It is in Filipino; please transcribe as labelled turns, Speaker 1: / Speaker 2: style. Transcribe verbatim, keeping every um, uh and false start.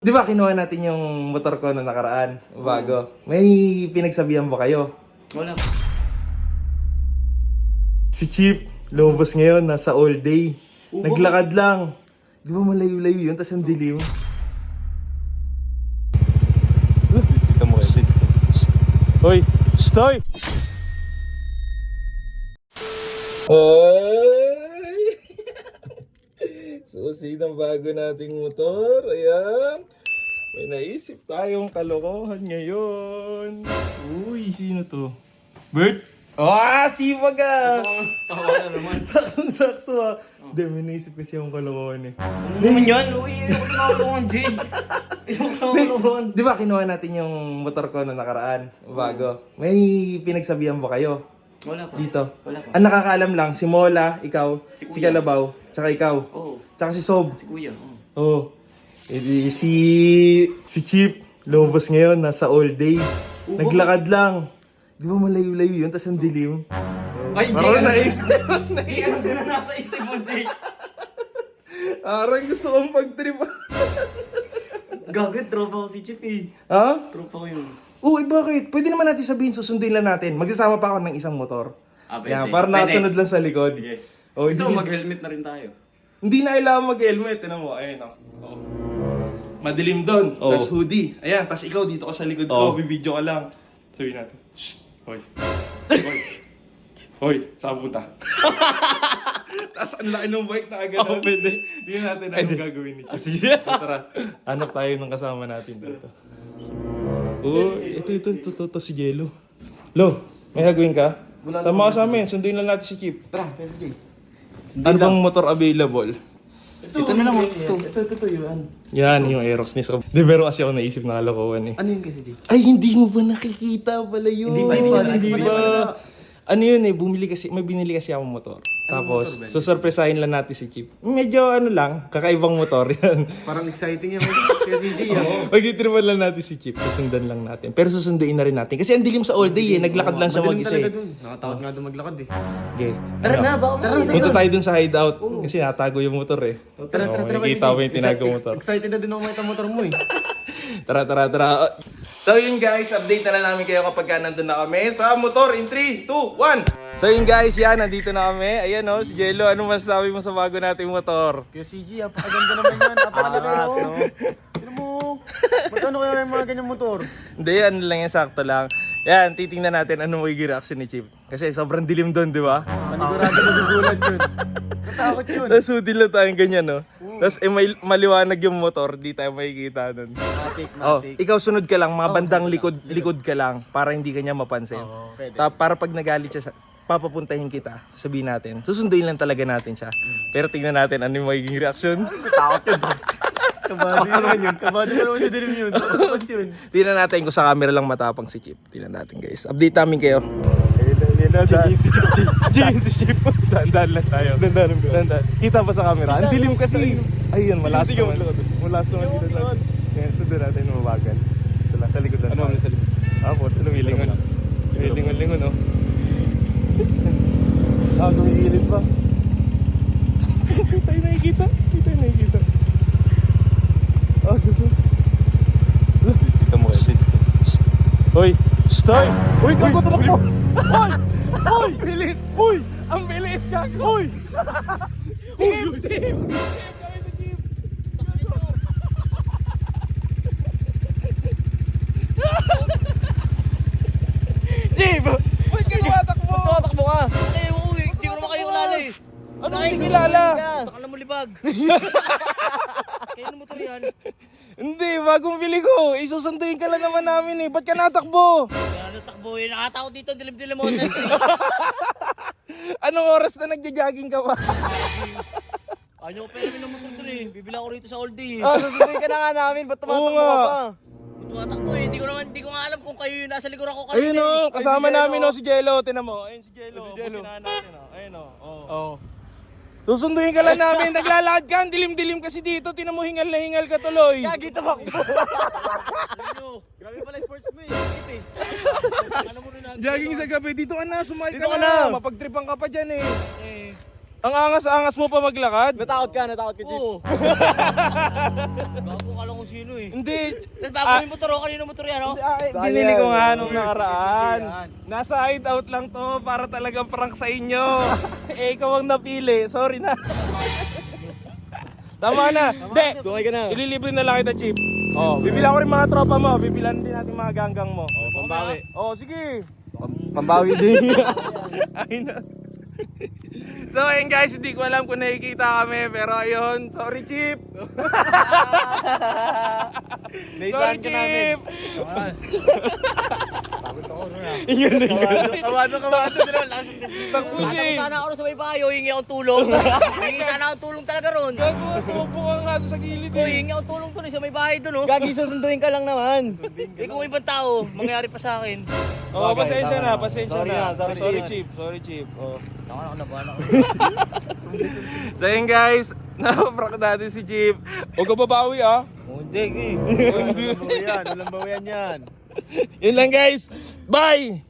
Speaker 1: Di ba kinuha natin yung motor ko na nakaraan, bago? May pinagsabihan ba kayo?
Speaker 2: Wala.
Speaker 1: Si Chip, lumabas ngayon, nasa all day.
Speaker 2: Oo,
Speaker 1: Naglakad lang. Di ba malayo-layo yun, tas ang dilim?
Speaker 3: Sita mo kasi. Hoy! Stoy!
Speaker 1: Ay! Susi ng bago nating motor. Ayan. May naisip tayong kalokohan ngayon. Uy, sino to? Bert? Ah, sipag ah!
Speaker 2: Tawa na naman.
Speaker 1: Saktong-sakto ah. Hindi, may naisip kasi akong kalokohan eh.
Speaker 2: Ano naman yan? Uy, ayoko sa mga kulungan, Jade. Ayoko sa mga kulungan.
Speaker 1: Di ba kinuha natin yung motor ko na nakaraan, bago? May pinagsabihan ba kayo
Speaker 2: Wala pa.
Speaker 1: dito?
Speaker 2: Wala pa.
Speaker 1: Ang nakakaalam lang, si Mola, ikaw,
Speaker 2: Si
Speaker 1: si,
Speaker 2: Kuya.
Speaker 1: Kalabaw, tsaka ikaw,
Speaker 2: Oo.
Speaker 1: tsaka si Sob.
Speaker 2: Si Kuya. Oo.
Speaker 1: Oh. Edi si si Chip lumabas ngayon, nasa all day.
Speaker 2: Oo,
Speaker 1: Naglakad lang. Di ba malayo-layo yun, tas ang dilim?
Speaker 2: Ay,
Speaker 1: Parang
Speaker 2: Jade.
Speaker 1: naisip.
Speaker 2: Hindi, ano sila nasa isip mo, Jade?
Speaker 1: Parang gusto kong pag-trip.
Speaker 2: Gagad, tropa ko si Chip eh.
Speaker 1: Ha?
Speaker 2: Tropa ko yun.
Speaker 1: Uy, bakit? Pwede naman natin sabihin, susundin lang natin. Magsasama pa ako ng isang motor.
Speaker 2: Ah, pwede.
Speaker 1: Yan, para
Speaker 2: Pwede.
Speaker 1: nakasunod lang sa likod.
Speaker 2: Sige.
Speaker 1: Oh,
Speaker 2: Gusto
Speaker 1: hindi,
Speaker 2: mo mag-helmet na rin tayo.
Speaker 1: hindi na kailangan mag-helmet. Tinan mo, ayun oh. Oh. Madilim doon.
Speaker 3: Oh.
Speaker 1: Tapos hoodie. Ayan, tapos ikaw dito ka sa likod
Speaker 3: Oh.
Speaker 1: ko. Bibidyo ka lang. Sabihin natin. Shh! Hoy. Hoy. Hoy, saan punta? Tapos ang laki ng bike na agad.
Speaker 3: Oh, pwede.
Speaker 1: Hindi natin anong gagawin ni Chip.
Speaker 3: Sige.
Speaker 1: Tara, hanap tayo ng kasama natin dito. Oh, ito, ito, ito, ito, ito, si Jello. Lo, may gagawin ka? Sama ka sa amin, sunduin lang natin si Chip.
Speaker 2: Tara, kasi Jade.
Speaker 1: Ano bang motor available?
Speaker 2: Ito, na lang. Ito, ito, ito, ito, yun.
Speaker 1: Yan, yung Aerox ni Sob. Di, pero kasi ako naisip na kalokohan eh.
Speaker 2: Ano yun kasi, Jade?
Speaker 1: Ay, hindi mo ba nakikita pala yun?
Speaker 2: Hindi ba, hindi ba,
Speaker 1: Hindi
Speaker 2: hindi
Speaker 1: ba?
Speaker 2: ba?
Speaker 1: Ano yun eh, bumili kasi, may binili kasi akong motor. Tapos,
Speaker 2: motor ba yun?
Speaker 1: susurpresahin lang natin si Chip. Medyo ano lang, kakaibang motor yan.
Speaker 2: Parang exciting yan kasi Jade. ah.
Speaker 1: Magtitripan lang natin si Chip, susundan lang natin. Pero susunduin na rin natin. Kasi ang dilim sa all day eh, naglakad lang siya mag-isa eh.
Speaker 2: Nakatakot nga doon maglakad eh.
Speaker 1: Okay.
Speaker 2: Tara na, baka tara,
Speaker 1: Punta tayo dun sa hideout. Kasi natago yung motor eh.
Speaker 2: Tara, tara, tara.
Speaker 1: Makikita mo yung tinago motor.
Speaker 2: Excited na din ako makita motor mo eh.
Speaker 1: Tara, tara, tara. So yun guys, update na lang namin kayo kapag ka nandun na kami sa motor in three, two, one. So yun guys, yan, nandito na kami. Ayan o, si Jello, ano masasabi mo sa bago nating motor?
Speaker 2: Kaya C G, napakaganda naman yan. Napakalaki
Speaker 1: Angas,
Speaker 2: no?
Speaker 1: no?
Speaker 2: Tignan mo. Ba't ano kaya yung mga ganyang motor?
Speaker 1: Hindi, ano lang yan, sakto lang. Yan, titingnan natin ano magiging reaction ni Chip. Kasi sobrang dilim doon, di ba?
Speaker 2: Panigurado magugulat yun. Katakot yun.
Speaker 1: Tapos sudil lang tayong ganyan, no? Tapos eh, may maliwanag yung motor, di tayo makikita nun.
Speaker 2: Matik,
Speaker 1: Oh,
Speaker 2: matik.
Speaker 1: ikaw sunod ka lang, mga bandang likod, likod ka lang para hindi ka niya mapansin.
Speaker 2: Oo, pwede.
Speaker 1: Ta- para pag nagalit siya, sa- papapuntahin kita, sabihin natin. Susunduin lang talaga natin siya. Pero tingnan natin ano yung magiging reaction.
Speaker 2: Takot yun. Kabado naman yun. Kabado mo naman sa dilim yun. Takot yun.
Speaker 1: Tingnan natin kung sa camera lang matapang si Chip. Tingnan natin guys. Update namin kayo.
Speaker 3: Jigin si Chip. Jigin si Chip. Dandan lang tayo.
Speaker 1: Dandan,
Speaker 3: Dandan. Kita ba sa camera? Ang dilim kasi.
Speaker 1: Ayun, malas
Speaker 3: Sige,
Speaker 1: naman.
Speaker 3: maglakad.
Speaker 1: Malas naman dito.
Speaker 3: Maglakad.
Speaker 1: Kaya sundan natin mabagal. Ito lang, sa likod lang.
Speaker 3: Ano ang nasa likod?
Speaker 1: Ah, po, lumilingon. Lumilingon-lingon, no? Ah, gumigilid pa. Hindi tayo nakikita. Hindi tayo nakikita. Ah, gusto.
Speaker 3: Sita mo kasi. Hoy! Stoy! Uy, gago tumakbo! Hoy! Hoy! Bilis! Hoy! Ang bilis gago! Hoy! Chip! Chip! Chip! Ba't ka tumatakbo? Ba't tumatakbo ka?
Speaker 4: Ay, uy, hindi ko naman kayo kilala eh.
Speaker 1: Ano yung kilala?
Speaker 4: Takal na mo libag. Kayo na motor yan.
Speaker 1: Hindi, bagong bili ko. Isusunduin ka lang naman namin eh. Ba't ka natakbo?
Speaker 4: Kaya natakbo eh. Nakatakot dito, dilim-dilim mo.
Speaker 1: Anong oras na nagja-jogging ka pa?
Speaker 4: Ano ko pera ng motor dun eh. Bibila ko rito sa all day eh.
Speaker 2: Ah, susunduin ka na nga namin. Ba't
Speaker 1: Oo
Speaker 2: tumatakbo
Speaker 1: nga.
Speaker 2: ka pa?
Speaker 4: Tumatakbo eh. Hindi ko naman, hindi ko nga alam kung kayo yung nasa likuran ko
Speaker 1: Ayun
Speaker 4: kanina
Speaker 1: o,
Speaker 4: eh.
Speaker 1: kasama
Speaker 2: Ay, si
Speaker 1: namin
Speaker 2: Jello.
Speaker 1: o si Jello. Tinan mo. Ayun si Jello.
Speaker 3: Si Jello.
Speaker 1: Businahan natin o. Ayun o. Oh. Susunduin ka lang namin. Naglalakad ka. Ang dilim-dilim kasi dito. Tinan mo, hingal na hingal ka tuloy.
Speaker 2: Gagi tumakbo.
Speaker 4: Ano?
Speaker 2: Grabe pala yung sports mo eh. Sakit eh.
Speaker 4: Alam mo rin na.
Speaker 1: Jogging sa gabi. Dito ka na. Sumakay
Speaker 2: Dito
Speaker 1: ka,
Speaker 2: ka
Speaker 1: na.
Speaker 2: na.
Speaker 1: Mapagtripan ka pa dyan eh.
Speaker 4: Eh.
Speaker 1: Ang angas-angas mo pa maglakad.
Speaker 2: Natakot ka, natakot ka, Chip.
Speaker 4: Oo. Gago ka lang kung
Speaker 2: sino eh.
Speaker 1: Hindi.
Speaker 4: Tapos bago yung motor, oh, kanino motor yan, oh?
Speaker 1: Ah, eh, binili ko nga nung nakaraan. Nasa hideout lang to para talagang prank sa inyo. Eh, ikaw ang napili. Sorry na. Tama na. Hindi.
Speaker 4: Sukay ka na.
Speaker 1: Ililibre na lang kita, Chip. Oh, bibilan ko rin mga tropa mo. Bibilan din natin mga ganggang mo.
Speaker 4: Oh, pambawi.
Speaker 1: Oh, sige.
Speaker 2: Pambawi din.
Speaker 1: Ay na. So ayun guys, hindi ko alam kung nakikita kami, pero ayun, sorry Chip. Sorry Chip. Yun na yun.
Speaker 2: Kawado, kawado.
Speaker 1: Takbo siya
Speaker 4: Alam
Speaker 1: eh.
Speaker 4: sana ako sa may bayo, hingi akong tulong. Hingi sana akong tulong talaga ron.
Speaker 1: Gago, tubo ka nga doon sa gilid
Speaker 4: Ko,
Speaker 1: eh.
Speaker 4: hingi akong tulong doon eh, sa may bahay doon, oh. Gagi, susunduin ka lang naman. Eh, kung ibang tao, mangyari pa sa akin.
Speaker 1: Oh, pasensya na, pasensya
Speaker 2: Sorry
Speaker 1: na.
Speaker 2: na, sorry,
Speaker 1: Sorry
Speaker 2: Chip.
Speaker 1: Chip, sorry Chip. Oh.
Speaker 4: Ako na, ako na, ako na.
Speaker 1: So ayun guys, napaprank natin si Chip. Huwag ka babawi ah.
Speaker 2: Hindi, eh.
Speaker 1: Hindi.
Speaker 2: Walang bawian, walang bawian yan.
Speaker 1: Yun lang guys. Bye!